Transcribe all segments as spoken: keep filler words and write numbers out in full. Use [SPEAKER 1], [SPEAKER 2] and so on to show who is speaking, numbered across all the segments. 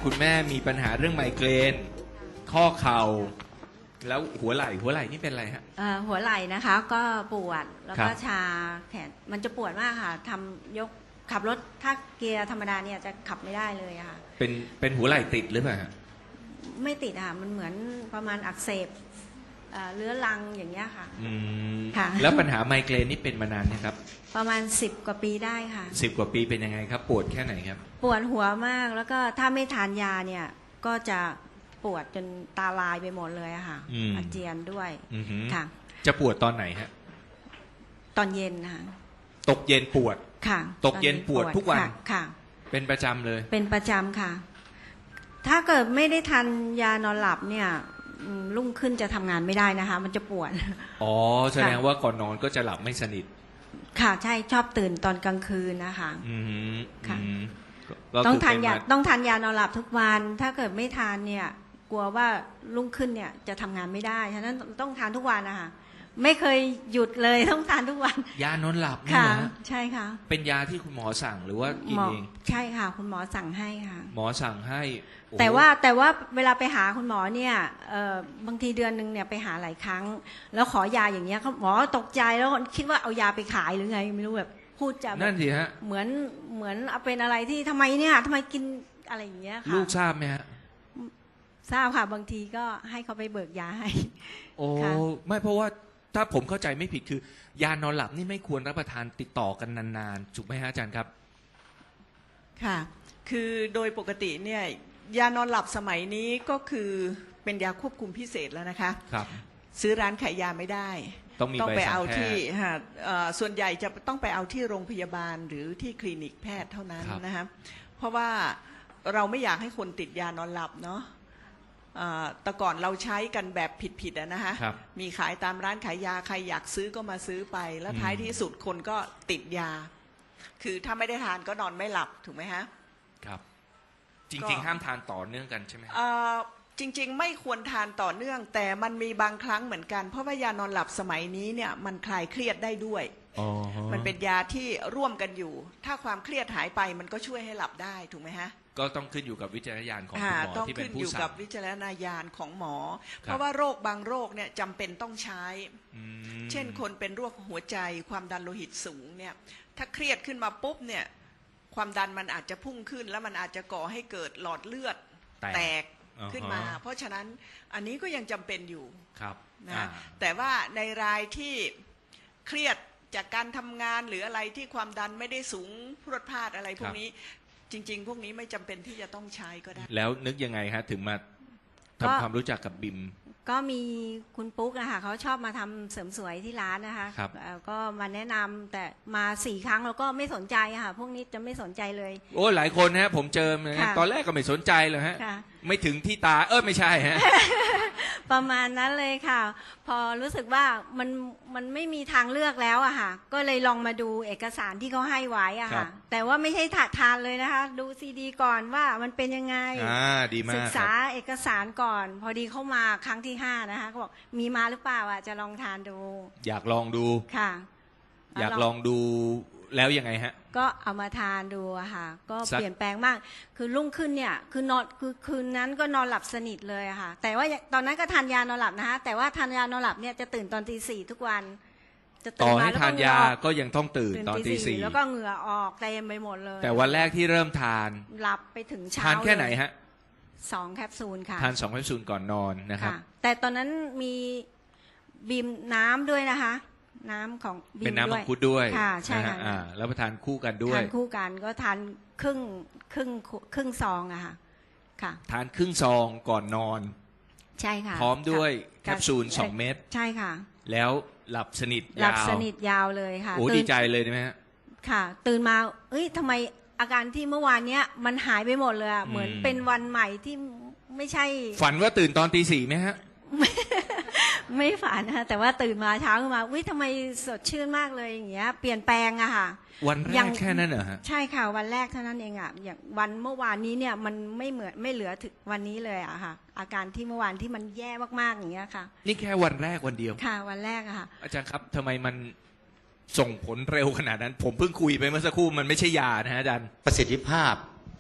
[SPEAKER 1] คุณแม่มีปัญหาเรื่องไมเกรนข้อเข่าแล้วหัวไหล่หัวไหล่นี่เป็นอะไรฮะ
[SPEAKER 2] เอ่อหัวไหล่นะคะก็ปวดแล้วก็
[SPEAKER 1] ครับ
[SPEAKER 2] ชาแขนมันจะปวดมากค่ะทำยกขับรถถ้าเกียร์ธรรมดาเนี่ยจะขับไม่ได้เลยอะค่ะ
[SPEAKER 1] เป็นเป็นหัวไหล่ติดหรือเปล่าฮะ
[SPEAKER 2] ไม่ติดอะค่ะมันเหมือนประมาณอักเสบเอ่อเรื้อรังอย่างเงี้ยค่ะ
[SPEAKER 1] อืม
[SPEAKER 2] ค่ะ
[SPEAKER 1] แล้วปัญหาไมเกรนนี่เป็นมานานนะครับ
[SPEAKER 2] ประมาณสิบกว่าปีได้ค่ะ
[SPEAKER 1] สิบกว่าปีเป็นยังไงครับ ปวดแค่ไหนครับ
[SPEAKER 2] ปวดหัวมากแล้วก็ถ้าไม่ทานยาเนี่ยก็จะปวดจนตาลายไปหมดเลยอะค่ะ
[SPEAKER 1] อืม
[SPEAKER 2] อาเจียนด้วย
[SPEAKER 1] อือหือ
[SPEAKER 2] ค่ะ
[SPEAKER 1] จะปวดตอนไหนฮะ
[SPEAKER 2] ตอนเย็นนะคะ
[SPEAKER 1] ตกเย็นปวด
[SPEAKER 2] ค่ะ
[SPEAKER 1] ตกเย็นปวดทุกวัน
[SPEAKER 2] ค่ะค่ะ
[SPEAKER 1] เป็นประจำเลย
[SPEAKER 2] เป็นประจำค่ะ ถ้าเกิดไม่ได้ทานยานอนหลับเนี่ยอืมรุ่งขึ้นจะทำงานไม่ได้นะคะ มันจะปวด
[SPEAKER 1] อ๋อแสดงว่าก่อนนอนก็จะหลับไม่สนิท
[SPEAKER 2] ค่ะ ใช่ชอบตื่นตอนกลางคืนนะคะ
[SPEAKER 1] อืม
[SPEAKER 2] ค่ะ
[SPEAKER 1] อืมก็
[SPEAKER 2] ต้อง
[SPEAKER 1] คื
[SPEAKER 2] ทานยา
[SPEAKER 1] เป็ม
[SPEAKER 2] ต้องทานยานอนหลับทุกวัน ถ้าเกิดไม่ทานเนี่ย กลัวว่ารุ่งขึ้นเนี่ยจะทำงานไม่ได้ฉะนั้นต้องทานทุกวันนะคะไม่เคยหยุดเลยต้องทานทุกวัน
[SPEAKER 1] ยานอนหลับนี่
[SPEAKER 2] ค่ะ
[SPEAKER 1] เหรอฮะ
[SPEAKER 2] ใช่ค่ะ
[SPEAKER 1] เป็นยาที่คุณหมอสั่งหรือว่ากิน
[SPEAKER 2] หมอ
[SPEAKER 1] เอง
[SPEAKER 2] ใช่ค่ะ คุณหมอสั่งให้ค่ะ
[SPEAKER 1] หมอสั่งให้โอ้โห
[SPEAKER 2] แต่ว่าแต่ว่าเวลาไปหาคุณหมอเนี่ยเอ่อบางทีเดือนหนึ่งเนี่ยไปหาหลายครั้ง แล้วขอยาอย่างเงี้ยเขาหมอตกใจแล้วคิดว่าเอายาไปขายหรือไงไม่รู้แบบพูดจะแบ
[SPEAKER 1] นั่
[SPEAKER 2] บ
[SPEAKER 1] นสิฮะ
[SPEAKER 2] เหมือนเหมือนเอาเป็นอะไรที่ทำไมเนี่ยทำไมกินอะไรอย่างเงี้ยค่ะ
[SPEAKER 1] ลูกทราบไหมฮะ
[SPEAKER 2] ทราบค่ะบางทีก็ให้เขาไปเบิกยาให้
[SPEAKER 1] โอ้
[SPEAKER 2] ค่ะ
[SPEAKER 1] ไม่เพราะว่าถ้าผมเข้าใจไม่ผิดคือ ยานอนหลับนี่ไม่ควรรับประทานติดต่อกันนานๆถูกไหมฮะอาจารย์ครับ
[SPEAKER 3] ค่ะ คือโดยปกติเนี่ยยานอนหลับสมัยนี้ก็คือเป็นยาควบคุมพิเศษแล้วนะคะ
[SPEAKER 1] ครับ
[SPEAKER 3] ซื้อร้านขายยาไม่ได้
[SPEAKER 1] ต้องมี
[SPEAKER 3] ต้องไป
[SPEAKER 1] ใบสั่ง
[SPEAKER 3] เอา
[SPEAKER 1] แพ
[SPEAKER 3] ที่
[SPEAKER 1] ทย์
[SPEAKER 3] ฮะเอ่อส่วนใหญ่จะต้องไปเอาที่โรงพยาบาลหรือที่คลินิกแพทย์เท่านั้น
[SPEAKER 1] ครับ
[SPEAKER 3] นะคะเพราะว่าเราไม่อยากให้คนติดยานอนหลับเนาะเอ่อแต่ก่อนเราใช้กันแบบผิดๆอะนะคะ
[SPEAKER 1] ครับ
[SPEAKER 3] มีขายตามร้านขายยาใครอยากซื้อก็มาซื้อไป แล้ว
[SPEAKER 1] อืม
[SPEAKER 3] ท้ายที่สุดคนก็ติดยา คือถ้าไม่ได้ทานก็นอนไม่หลับถูกไหมฮะ
[SPEAKER 1] ครับ จ
[SPEAKER 3] ก็
[SPEAKER 1] ริงๆ ห้ามทานต่อเนื่องกันใช่ไหมฮะ
[SPEAKER 3] เอ่อจริงๆ ไม่ควรทานต่อเนื่อง แต่มันมีบางครั้งเหมือนกัน เพราะว่ายานอนหลับสมัยนี้เนี่ยมันคลายเครียดได้ด้วย
[SPEAKER 1] อ๋อฮะ
[SPEAKER 3] มันเป็นยาที่ร่วมกันอยู่ ถ้าความเครียดหายไปมันก็ช่วยให้หลับได้ถูกไหมฮะ
[SPEAKER 1] ก็ต้องขึ้นอยู่กับวิจารณญาณของคุณ
[SPEAKER 3] อ่า
[SPEAKER 1] หมอ
[SPEAKER 3] ต้อง
[SPEAKER 1] ที่เป็
[SPEAKER 3] ขึ้
[SPEAKER 1] น
[SPEAKER 3] น
[SPEAKER 1] ผู้
[SPEAKER 3] อยู่
[SPEAKER 1] สั่
[SPEAKER 3] กับ
[SPEAKER 1] ง
[SPEAKER 3] วิจารณญาณของหมอ
[SPEAKER 1] ครับ
[SPEAKER 3] เพราะว่าโรคบางโรคเนี่ยจำเป็นต้องใช้
[SPEAKER 1] อืม
[SPEAKER 3] เช่นคนเป็นโรคหัวใจความดันโลหิตสูงเนี่ยถ้าเครียดขึ้นมาปุ๊บเนี่ยความดันมันอาจจะพุ่งขึ้น แล้วมันอาจจะก่อให้เกิดหลอดเลือด
[SPEAKER 1] แตก
[SPEAKER 3] แตก
[SPEAKER 1] อ่าฮะ
[SPEAKER 3] ขึ้นมา เพราะฉะนั้นอันนี้ก็ยังจำเป็นอยู่
[SPEAKER 1] ครับ
[SPEAKER 3] นะ
[SPEAKER 1] อ่า
[SPEAKER 3] แต่ว่าในรายที่เครียดจากการทำงานหรืออะไรที่ความดันไม่ได้สูงพรวดพลาดอะไรพวกนี้จริง ๆ พวกนี้ไม่จำเป็นที่จะต้องใช้ก็ได้
[SPEAKER 1] แล้วนึกยังไงฮะ ถึงมา
[SPEAKER 2] ก็
[SPEAKER 1] ทำความรู้จักกับบิม
[SPEAKER 2] ก็มีคุณปุ๊กนะคะเขาชอบมาทำเสริมสวยที่ร้านนะคะ
[SPEAKER 1] ครับ
[SPEAKER 2] เอ่อก็มาแนะนำแต่มาสี่ครั้งแล้วก็ไม่สนใจอะค่ะ พวกนี้จะไม่สนใจเลย
[SPEAKER 1] โอ้หลายคนฮะ ผมเจอนะฮะ
[SPEAKER 2] ค่ะ
[SPEAKER 1] ตอนแรกก็ไม่สนใจเลยฮะ
[SPEAKER 2] ค่ะ
[SPEAKER 1] ไม่ถึงที่ตา เออไม่ใช่ฮะ
[SPEAKER 2] ประมาณนั้นเลยค่ะ พอรู้สึกว่ามันมันไม่มีทางเลือกแล้วอะค่ะ ก็เลยลองมาดูเอกสารที่เขาให้ไว้อะ
[SPEAKER 1] ครั
[SPEAKER 2] ค่ะ
[SPEAKER 1] บ
[SPEAKER 2] แต่ว่าไม่ใช่ถาทานเลยนะคะ ดูซีดีก่อนว่ามันเป็นยังไง
[SPEAKER 1] อ่าดีมา
[SPEAKER 2] ศึ
[SPEAKER 1] ก
[SPEAKER 2] ก
[SPEAKER 1] ค
[SPEAKER 2] ษา
[SPEAKER 1] รับ
[SPEAKER 2] เอกสารก่อน พอดีเข้ามาครั้งที่ห้านะคะก็บอกมีมาหรือเปล่าอ่ะจะลองทานดู
[SPEAKER 1] อยากลองดู
[SPEAKER 2] ค่ะ
[SPEAKER 1] อยากลองดูแล้วยังไงฮะ
[SPEAKER 2] ก็เอามาทานดูอะค่ะ ก็
[SPEAKER 1] สัก
[SPEAKER 2] เปลี่ยนแปลงมาก คือรุ่งขึ้นเนี่ยคือนอนคือคืนนั้นก็นอนหลับสนิทเลยอะค่ะ แต่ว่าตอนนั้นก็ทานยานอนหลับนะคะแต่ว่าทานยานอนหลับเนี่ยจะตื่นตอนตีสี่ทุกวัน จะ
[SPEAKER 1] ต่
[SPEAKER 2] ตื่
[SPEAKER 1] อน
[SPEAKER 2] มา
[SPEAKER 1] ให้
[SPEAKER 2] แล้ว
[SPEAKER 1] ทา
[SPEAKER 2] ก็
[SPEAKER 1] น
[SPEAKER 2] เหงื่อย
[SPEAKER 1] า
[SPEAKER 2] ออก
[SPEAKER 1] ก็ยังต้องตื่นตอนตีสี่
[SPEAKER 2] แล้วก็เหงื่อออกเต็มไปหมดเลย
[SPEAKER 1] แต่วันแรกที่เริ่มทาน
[SPEAKER 2] หลับไปถึงเช้า
[SPEAKER 1] ทานแค่ไหน
[SPEAKER 2] เลย
[SPEAKER 1] ฮะ
[SPEAKER 2] สองแคปซูลค่ะ
[SPEAKER 1] ทานสองแคปซูลก่อนนอนนะครับ
[SPEAKER 2] ค่ะแต่ตอนนั้นมีบีมน้ำด้วยนะคะ น้ำของบีม
[SPEAKER 1] เป็นน้ำ
[SPEAKER 2] ด้
[SPEAKER 1] มั
[SPEAKER 2] ว
[SPEAKER 1] ง
[SPEAKER 2] ย
[SPEAKER 1] คุดด้วย
[SPEAKER 2] ค่ะใช่
[SPEAKER 1] นฮ
[SPEAKER 2] ค่ะ
[SPEAKER 1] อ่าแล้วมาทานคู่กันด้วย
[SPEAKER 2] ทานคู่กันก็ทานครึ่งครึ่งครึ่งซองอะค่ะค่ะ
[SPEAKER 1] ทานครึ่งซองก่อนนอน
[SPEAKER 2] ใช่ค่ะ
[SPEAKER 1] พร้อมด้วย
[SPEAKER 2] ะ
[SPEAKER 1] แคปซูลสองเม็ด
[SPEAKER 2] ใช่ค่ะ
[SPEAKER 1] แล้วหลับสนิท
[SPEAKER 2] หลั
[SPEAKER 1] ยา
[SPEAKER 2] บ
[SPEAKER 1] ว
[SPEAKER 2] สนิทยาวเลยค่ะ
[SPEAKER 1] โอ้
[SPEAKER 2] ตื่น
[SPEAKER 1] ดีใจเลยนะฮะ
[SPEAKER 2] ค่ะ ตื่นมาเอ้ยทำไมอาการที่เมื่อวานเนี้ยมันหายไปหมดเลยอะ
[SPEAKER 1] อืม
[SPEAKER 2] เหมือนเป็นวันใหม่ที่ไม่ใช่
[SPEAKER 1] ฝันว่าตื่นตอนตีสี่ไหมฮะ
[SPEAKER 2] ไม่ฝันนะคะแต่ว่าตื่นมาเช้าขึ้นมาวิทำไมสดชื่นมากเลยอย่างเงี้ยเปลี่ยนแปลงอะค่ะ
[SPEAKER 1] วันแร
[SPEAKER 2] ยั
[SPEAKER 1] ก
[SPEAKER 2] ง
[SPEAKER 1] แค่นั้นเหรอฮะ
[SPEAKER 2] ใช่ค่ะวันแรกเท่านั้นเองอะอย่างวันเมื่อวานนี้เนี่ยมันไม่เหมือนไม่เหลือถึงวันนี้เลยอะค่ะ อาการที่เมื่อวานที่มันแย่มากๆอย่างเงี้ยค่ะ
[SPEAKER 1] นี่แค่วันแรกวันเดียว
[SPEAKER 2] ค่ะวันแรกอะค่ะ
[SPEAKER 1] อาจารย์ครับทำไมมันส่งผลเร็วขนาดนั้น ผมเพิ่งคุยไปเมื่อสักครู่มันไม่ใช่ยานะฮะอาจารย์
[SPEAKER 4] ประสิทธิภาพ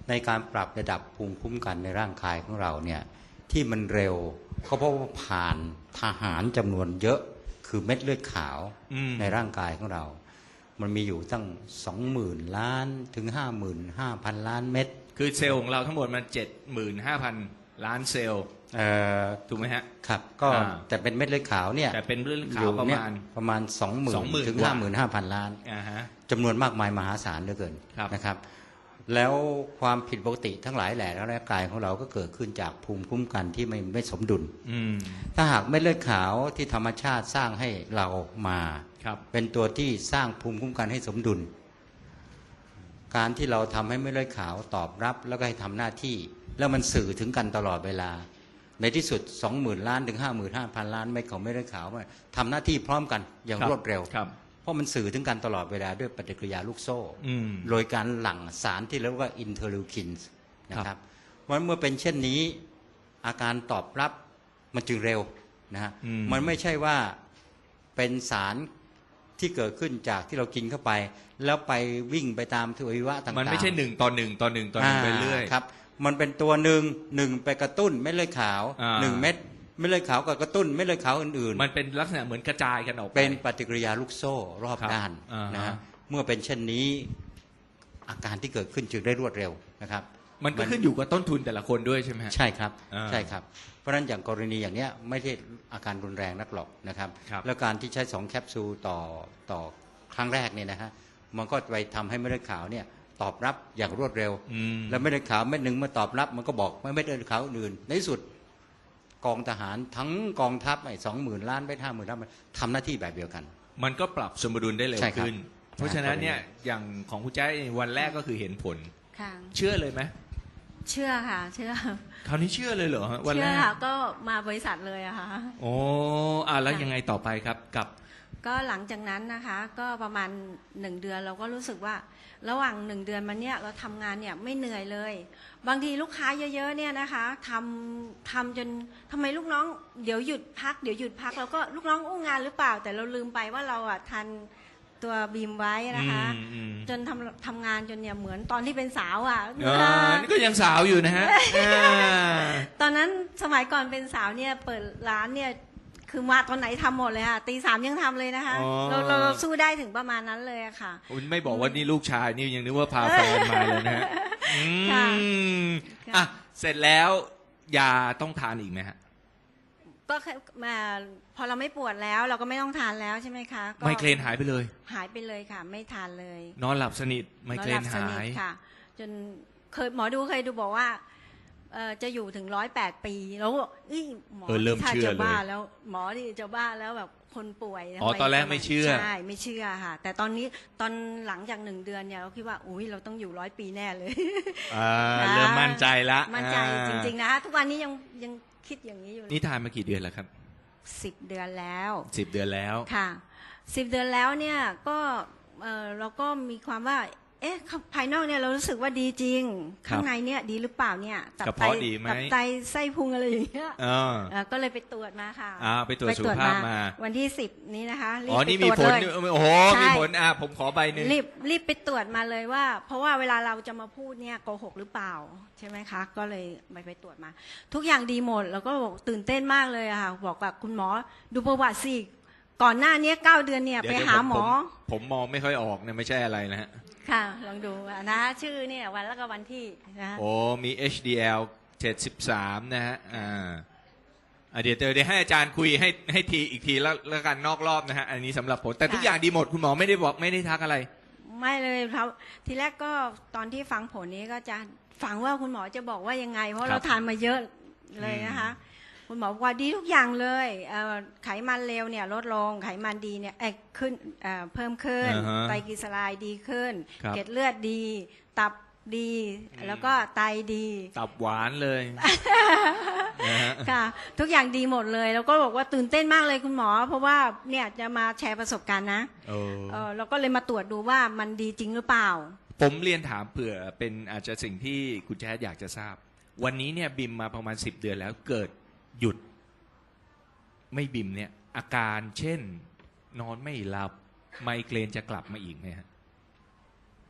[SPEAKER 4] ในการปรับระดับภูมิคุ้มกันในร่างกายของเราเนี่ยที่มันเร็วก็เพราะว่าผ่านทหารจำนวนเยอะคือเม็ดเลือดขาว
[SPEAKER 1] อืม
[SPEAKER 4] ในร่างกายของเรา มันมีอยู่ตั้งสองหมื่นล้านถึงห้าหมื่นห้าพันล้านเม็ด
[SPEAKER 1] คือเซลล์ของเราทั้งหมดมันเจ็ดหมื่นห้าพันล้านเซลล์
[SPEAKER 4] เอ่อ
[SPEAKER 1] ถูกไหมฮะ
[SPEAKER 4] ครับก็
[SPEAKER 1] อ่า
[SPEAKER 4] แต่เป็นเม็ดเลือดขาวเนี่ย
[SPEAKER 1] แต่เป็นเรื่อง
[SPEAKER 4] อ
[SPEAKER 1] ข่าว
[SPEAKER 4] ยู่
[SPEAKER 1] ประ
[SPEAKER 4] เนี่ย
[SPEAKER 1] มาณ
[SPEAKER 4] ประมาณสองหมื่น
[SPEAKER 1] สองหมื่น
[SPEAKER 4] ถึง
[SPEAKER 1] กว่า
[SPEAKER 4] ห้าหมื่นห้าพันล้าน
[SPEAKER 1] อ่าฮะ
[SPEAKER 4] จำนวนมากมายมหาศาลเหลือเกิน
[SPEAKER 1] ครับ
[SPEAKER 4] นะครับ แล้วความผิดปกติทั้งหลายแหล่ในร่างกายของเราก็เกิดขึ้นจากภูมิคุ้มกันที่ไม่ไม่สมดุล
[SPEAKER 1] อืม
[SPEAKER 4] ถ้าหากเม็ดเลือดขาวที่ธรรมชาติสร้างให้เรามา
[SPEAKER 1] ครับ
[SPEAKER 4] เป็นตัวที่สร้างภูมิคุ้มกันให้สมดุล การที่เราทำให้เม็ดเลือดขาวตอบรับแล้วก็ให้ทำหน้าที่ แล้วมันสื่อถึงกันตลอดเวลา ในที่สุด สองหมื่น ล้านถึง ห้าหมื่นห้าพัน ล้านเม็ดของเม็ดเลือดขาวมันทำหน้าที่พร้อมกันอย่าง
[SPEAKER 1] ครับ
[SPEAKER 4] รวดเร็ว
[SPEAKER 1] ครับ
[SPEAKER 4] เพราะมันสื่อถึงกันตลอดเวลาด้วยปฏิกิริยาลูกโซ่
[SPEAKER 1] อืม
[SPEAKER 4] โดยการหลั่งสารที่เรียกว่าอินเทอร์ลิวคินส์นะครับเพราะฉะนั้นเมื่อเป็นเช่นนี้อาการตอบรับมันจึงเร็วนะฮะ
[SPEAKER 1] อืม
[SPEAKER 4] มันไม่ใช่ว่าเป็นสารที่เกิดขึ้นจากที่เรากินเข้าไป แล้วไปวิ่งไปตามทวัยวะต่างๆ
[SPEAKER 1] มันไม่ใช่หนึ่งต่อหนึ่งต่อหนึ่งต่อหนึ่งไปเรื่อย
[SPEAKER 4] าครับมันเป็นตัวหนึ่งหนึ่งไปกระตุ้นเม็ดเลือดขาว
[SPEAKER 1] อ่า
[SPEAKER 4] หนึ่งเม็ดเม็ดเลือดขาวกับกระตุ้นเม็ดเลือดขาวอื่นๆ
[SPEAKER 1] มันเป็นลักษณะเหมือนกระจายกันออกไป
[SPEAKER 4] เป็นปฏิกิริยาลูกโซ่รอบ
[SPEAKER 1] ครับ
[SPEAKER 4] ด้าน
[SPEAKER 1] อ่าฮะ
[SPEAKER 4] นะฮะเมื่อเป็นเช่นนี้อาการที่เกิดขึ้นจึงได้รวดเร็วนะครับ
[SPEAKER 1] มันก็ขึ้นอยู่กับต้นทุนแต่ละคนด้วยใช่ไหมฮะ
[SPEAKER 4] ใช่ครับ
[SPEAKER 1] อ่า
[SPEAKER 4] ใช่ครับ เพราะฉะนั้นอย่างกรณีอย่างเนี้ยไม่ได้อาการรุนแรงนักหรอกนะครับ
[SPEAKER 1] ครับ
[SPEAKER 4] แล้วการที่ใช้สองแคปซูลต่อต่อครั้งแรกเนี่ยนะฮะมันก็ไปทำให้เม็ดเลือดขาวเนี่ยตอบรับอย่างรวดเร็ว
[SPEAKER 1] อืม
[SPEAKER 4] แล้วเม็ดเลือดขาวเม็ดหนึ่งมาตอบรับมันก็บอกไม่เม็ดเลือดขาวอื่นในที่สุดกองทหารทั้งกองทัพไอ้สองหมื่นล้านไปห้าหมื่นล้านมันทำหน้าที่แบบเดียวกัน
[SPEAKER 1] มันก็ปรับสมดุลได้เร็ว
[SPEAKER 4] ใช่ครับ
[SPEAKER 1] ขึ้น เพราะฉะนั้นเนี่ยอย่างของคุณแจ้วันแรกก็คือเห็นผล
[SPEAKER 2] ค่ะ
[SPEAKER 1] เชื่อเลยไหม
[SPEAKER 2] เชื่อค่ะ เชื่อ
[SPEAKER 1] คราวนี้เชื่อเลยเหรอฮะวัน
[SPEAKER 2] เชื่
[SPEAKER 1] แร
[SPEAKER 2] อก ค่ะก็มาบริษัทเลยอะค่ะ
[SPEAKER 1] โอ้อ่ะแล้วยังไงต่อไปครับกับ
[SPEAKER 2] ก็หลังจากนั้นนะคะ ก็ประมาณหนึ่งเดือนเราก็รู้สึกว่า ระหว่างหนึ่งเดือนมาเนี่ยเราทำงานเนี่ยไม่เหนื่อยเลย บางทีลูกค้าเยอะๆเนี่ยนะคะทำทำจนทำไมลูกน้องเดี๋ยวหยุดพักเดี๋ยวหยุดพักเราก็ลูกน้องอู้งานหรือเปล่า แต่เราลืมไปว่าเราอ่ะทันตัวบีมไว้นะคะ
[SPEAKER 1] อืมอืม
[SPEAKER 2] จนทำทำงานจนเนี่ยเหมือนตอนที่เป็นสาวอ่ะ
[SPEAKER 1] อ่านี่ก็ยังสาวอยู่นะฮะอ่า
[SPEAKER 2] ตอนนั้นสมัยก่อนเป็นสาวเนี่ยเปิดร้านเนี่ยคือมาตอนไหนทำหมดเลยค่ะตีสามยังทำเลยนะคะ
[SPEAKER 1] อ๋อ
[SPEAKER 2] เราเราเราสู้ได้ถึงประมาณนั้นเลยอะค่ะ
[SPEAKER 1] คุณไม่บอกว่านี่ลูกชายนี่ยังนึกว่าพาแฟนมาเลยนะฮะอื
[SPEAKER 2] ค่ะ
[SPEAKER 1] ม
[SPEAKER 2] ค่ะ
[SPEAKER 1] อ่ะเสร็จแล้วยาต้องทานอีกไหมฮะ
[SPEAKER 2] ก็แค่มาพอเราไม่ปวดแล้วเราก็ไม่ต้องทานแล้วใช่ไหมคะก็
[SPEAKER 1] ไมเกรนหายไปเลย
[SPEAKER 2] หายไปเลยค่ะ ไม่ทานเลย
[SPEAKER 1] นอนหลับสนิทไมเกร
[SPEAKER 2] น
[SPEAKER 1] น
[SPEAKER 2] อนหลับส
[SPEAKER 1] หา
[SPEAKER 2] นิท
[SPEAKER 1] ย
[SPEAKER 2] ค่ะ จนเคยหมอดูเคยดูบอกว่าเอ่อจะอยู่ถึงร้อยแปดปีแล้วก็เอ้ยหมอ
[SPEAKER 1] เออเริ่ม
[SPEAKER 2] ถ้า
[SPEAKER 1] เชื่อ
[SPEAKER 2] จะ
[SPEAKER 1] เลย
[SPEAKER 2] บ้าแล้วหมอที่จะบ้าแล้วแบบคนป่วย
[SPEAKER 1] อ๋อ
[SPEAKER 2] ทำ
[SPEAKER 1] ตอนแรกไม่เชื่อ
[SPEAKER 2] ใช่ไม่เชื่อค่ะ แต่ตอนนี้ตอนหลังจากหนึ่งเดือนเนี่ยเราคิดว่าอุ้ยเราต้องอยู่ร้อยปีแน่เลย
[SPEAKER 1] อ่า
[SPEAKER 2] นะ
[SPEAKER 1] เริ่มมั่นใจละ
[SPEAKER 2] มั่นใจ
[SPEAKER 1] อ่า
[SPEAKER 2] จริงๆนะคะทุกวันนี้ยังยังคิดอย่างนี้อยู่เลย
[SPEAKER 1] นี่ทานมากี่เดือนแล้วครับ
[SPEAKER 2] สิบเดือนแล้ว
[SPEAKER 1] สิบเดือนแล้ว
[SPEAKER 2] ค่ะสิบเดือนแล้วเนี่ยก็เออเราก็มีความว่า เอ๊ะภายนอกเนี่ยเรารู้สึกว่าดีจริง
[SPEAKER 1] ครับ
[SPEAKER 2] ข้างในเนี่ยดีหรือเปล่าเนี่ยตั
[SPEAKER 1] กระ
[SPEAKER 2] ไต
[SPEAKER 1] เพาะดีไหม
[SPEAKER 2] ตับไตไส้พุงอะไรอย่างเงี้ย
[SPEAKER 1] เออ
[SPEAKER 2] เอ่อก็เลยไปตรวจมาค่ะ
[SPEAKER 1] อ่าไปตรวจสุขภาพมา
[SPEAKER 2] วันที่สิบนี้นะคะรีบ
[SPEAKER 1] อ๋อ
[SPEAKER 2] ไป
[SPEAKER 1] นี่
[SPEAKER 2] ต
[SPEAKER 1] มี
[SPEAKER 2] รวจ
[SPEAKER 1] ผล
[SPEAKER 2] เลย
[SPEAKER 1] โอ้โห
[SPEAKER 2] ใช่
[SPEAKER 1] มีผลอ่ะผมขอใบหนึ่ง
[SPEAKER 2] รีบรีบไปตรวจมาเลยว่า เพราะว่าเวลาเราจะมาพูดเนี่ยโกหกหรือเปล่าใช่ไหมคะ ก็เลยไปไปตรวจมา ทุกอย่างดีหมดแล้วก็บอกตื่นเต้นมากเลยอะค่ะบอกกับคุณหมอดูประวัติสิก่อนหน้านี้เก้าเดือนเนี่ย
[SPEAKER 1] เดี๋ยว
[SPEAKER 2] ไป
[SPEAKER 1] เดี๋ยว
[SPEAKER 2] หา
[SPEAKER 1] ผม
[SPEAKER 2] หมอ
[SPEAKER 1] ผมผมมองไม่ค่อยออกเนี่ยไม่ใช่อะไรนะฮะ
[SPEAKER 2] ค่ะลองดูนะชื่อเนี่ยวันแล้วก็วันที่นะ
[SPEAKER 1] โอ้มี เอช ดี แอล เจ็ดสิบสามนะฮะอ่าอ่ะเดี๋ยวเดี๋ยวเดี๋ยวให้อาจารย์คุยให้ให้ทีอีกทีแล้วแล้วกันนอกรอบนะฮะอันนี้สำหรับผมแต่ทุกอย่างดีหมดคุณหมอไม่ได้บอกไม่ได้ทักอะไร
[SPEAKER 2] ไม่เลยครับทีแรกก็ตอนที่ฟังผลนี้ก็จะฟังว่าคุณหมอจะบอกว่ายังไง เพราะเราทานมาเยอะเลยนะคะ คุณหมอบอกว่าดีทุกอย่างเลยเอ่อไขมันเลวเนี่ยลดลงไขมันดีเนี่ยเอ้ยขึ้นเอ่อเพิ่มขึ้น
[SPEAKER 1] อ่าฮะ
[SPEAKER 2] ไตรกลีเซอไรด์ดีขึ้น
[SPEAKER 1] ครับ
[SPEAKER 2] เกล็ดเลือดดี ตับดี แล้วก็ไตดี
[SPEAKER 1] ตับหวานเลยนะฮะ
[SPEAKER 2] ค่ะ ทุกอย่างดีหมดเลย แล้วก็บอกว่าตื่นเต้นมากเลยคุณหมอ เพราะว่าเนี่ยจะมาแชร์ประสบการณ์นะ
[SPEAKER 1] โอ้
[SPEAKER 2] เออเราก็เลยมาตรวจดูว่ามันดีจริงหรือเปล่า
[SPEAKER 1] ผมเรียนถามเผื่อเป็นอาจจะสิ่งที่คุณแจ๊ดอยากจะทราบ วันนี้เนี่ยบิมมาประมาณสิบเดือนแล้วเกิดหยุด ไม่บิมเนี่ย อาการเช่น นอนไม่หลับไมเกรนจะกลับมาอีกไหมฮะ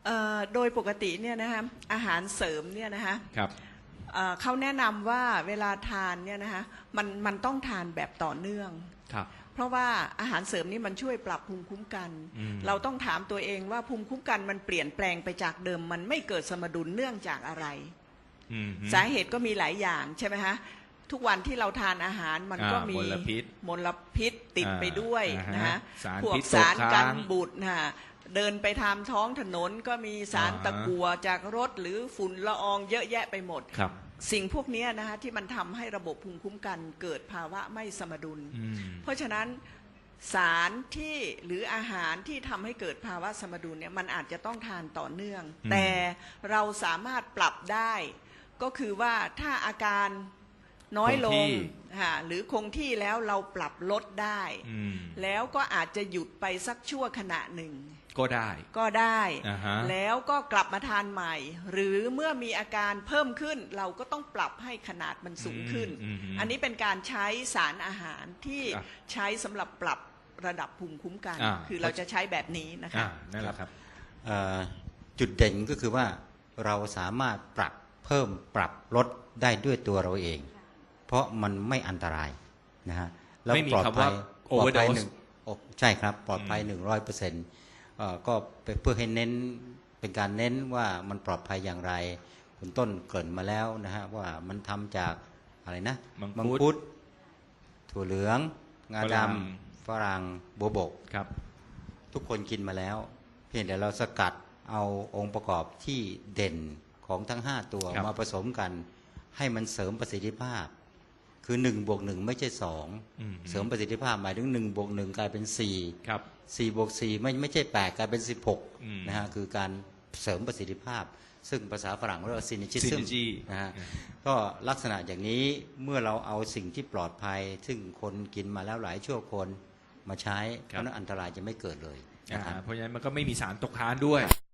[SPEAKER 3] เอ่อโดยปกติเนี่ยนะคะอาหารเสริมเนี่ยนะคะ
[SPEAKER 1] ครับ
[SPEAKER 3] เอ่อเขาแนะนำว่าเวลาทานเนี่ยนะคะมันมันต้องทานแบบต่อเนื่อง
[SPEAKER 1] ครับ
[SPEAKER 3] เพราะว่าอาหารเสริมนี่มันช่วยปรับภูมิคุ้มกัน
[SPEAKER 1] อืม
[SPEAKER 3] เราต้องถามตัวเองว่าภูมิคุ้มกันมันเปลี่ยนแปลงไปจากเดิม มันไม่เกิดสมดุลเนื่องจากอะไร
[SPEAKER 1] อืม
[SPEAKER 3] สาเหตุก็มีหลายอย่างใช่ไหมคะทุกวันที่เราทานอาหารมันก็
[SPEAKER 1] อ่า
[SPEAKER 3] มี
[SPEAKER 1] มลพิษ
[SPEAKER 3] มลพิษติดไปด้วย
[SPEAKER 1] อ่า
[SPEAKER 3] นะ
[SPEAKER 1] ฮะ
[SPEAKER 3] ฮะ
[SPEAKER 1] สาร
[SPEAKER 3] พวก
[SPEAKER 1] พิษ
[SPEAKER 3] สาร
[SPEAKER 1] ตกค้าง
[SPEAKER 3] กันบูดนะฮะเดินไปทางท้องถนนก็มีสาร
[SPEAKER 1] อ่าฮะ
[SPEAKER 3] ตะกั่วจากรถหรือฝุ่นละอองเยอะแยะไปหมด
[SPEAKER 1] ครับ
[SPEAKER 3] สิ่งพวกนี้นะฮะที่มันทำให้ระบบภูมิคุ้มกันเกิดภาวะไม่สมดุล
[SPEAKER 1] อืม
[SPEAKER 3] เพราะฉะนั้นสารที่หรืออาหารที่ทำให้เกิดภาวะสมดุลเนี่ยมันอาจจะต้องทานต่อเนื่อง
[SPEAKER 1] อืม
[SPEAKER 3] แต่เราสามารถปรับได้ ก็คือว่าถ้าอาการน้อยล
[SPEAKER 1] คงที่
[SPEAKER 3] งค่ะหรือคงที่แล้วเราปรับลดได้
[SPEAKER 1] อืม
[SPEAKER 3] แล้วก็อาจจะหยุดไปสักชั่วขณะหนึ่ง
[SPEAKER 1] ก็ได้
[SPEAKER 3] ก็ได้
[SPEAKER 1] อ่าฮะ
[SPEAKER 3] แล้วก็กลับมาทานใหม่ หรือเมื่อมีอาการเพิ่มขึ้น เราก็ต้องปรับให้ขนาดมันสูงขึ้น
[SPEAKER 1] อืมอืม
[SPEAKER 3] อันนี้เป็นการใช้สารอาหารที่
[SPEAKER 1] ครับ
[SPEAKER 3] ใช้สำหรับปรับระดับภูมิคุ้มกัน
[SPEAKER 1] อ่า
[SPEAKER 3] คือเราจะใช้แบบนี้นะคะ
[SPEAKER 1] อ่านั่นแหละครับ
[SPEAKER 4] เอ่อจุดเด่นก็คือว่าเราสามารถปรับเพิ่มปรับลดได้ด้วยตัวเราเอง เพราะมันไม่อันตรายนะฮะแล้ว
[SPEAKER 1] ไม่มี
[SPEAKER 4] ปลอด
[SPEAKER 1] คำ
[SPEAKER 4] ภั
[SPEAKER 1] ว่าย
[SPEAKER 4] ปลอดภัย
[SPEAKER 1] overdose
[SPEAKER 4] หนึ่งโอ้ใช่ครับปลอดภัยหนึ่งร้อยเปอร์เซ็นต์ก็เพื่อให้เน้นเป็นการเน้นว่ามันปลอดภัยอย่างไร คุณต้นเกริ่นมาแล้วนะฮะว่ามันทำจากอะไรนะ
[SPEAKER 1] มังคุด
[SPEAKER 4] ดถั่วเหลือง งา
[SPEAKER 1] ฝ
[SPEAKER 4] ด
[SPEAKER 1] รั่ง
[SPEAKER 4] ำฝรั่งโบวบก
[SPEAKER 1] ครับ
[SPEAKER 4] ทุกคนกินมาแล้ว เพียงแต่เราสกัดเอาองค์ประกอบที่เด่นของทั้งห้าตัว
[SPEAKER 1] ครับ
[SPEAKER 4] มาผสมกัน ให้มันเสริมประสิทธิภาพ คือหนึ่งบวกหนึ่งไม่ใช่สอง
[SPEAKER 1] อืม
[SPEAKER 4] เสริมประสิทธิภาพหมายถึงหนึ่งบวกหนึ่งกลายเป็นสี่
[SPEAKER 1] ครับ
[SPEAKER 4] สี่บวกสี่ไม่ไม่ใช่แปดกลายเป็นสิบหก
[SPEAKER 1] อืม
[SPEAKER 4] นะฮะคือการเสริมประสิทธิภาพ ซึ่งภาษาฝรั่งเรียกว่าซินิจิซึม
[SPEAKER 1] synergy
[SPEAKER 4] นะฮะ
[SPEAKER 1] อืม
[SPEAKER 4] ก็ลักษณะอย่างนี้เมื่อเราเอาสิ่งที่ปลอดภัย ซึ่งคนกินมาแล้วหลายชั่วคนมาใช้เพราะฉะนั้นอันตรายจะไม่เกิดเลย
[SPEAKER 1] อ่า
[SPEAKER 4] นะครับ
[SPEAKER 1] เพราะฉะนั้นมันก็ไม่มีสารตกค้างด้วย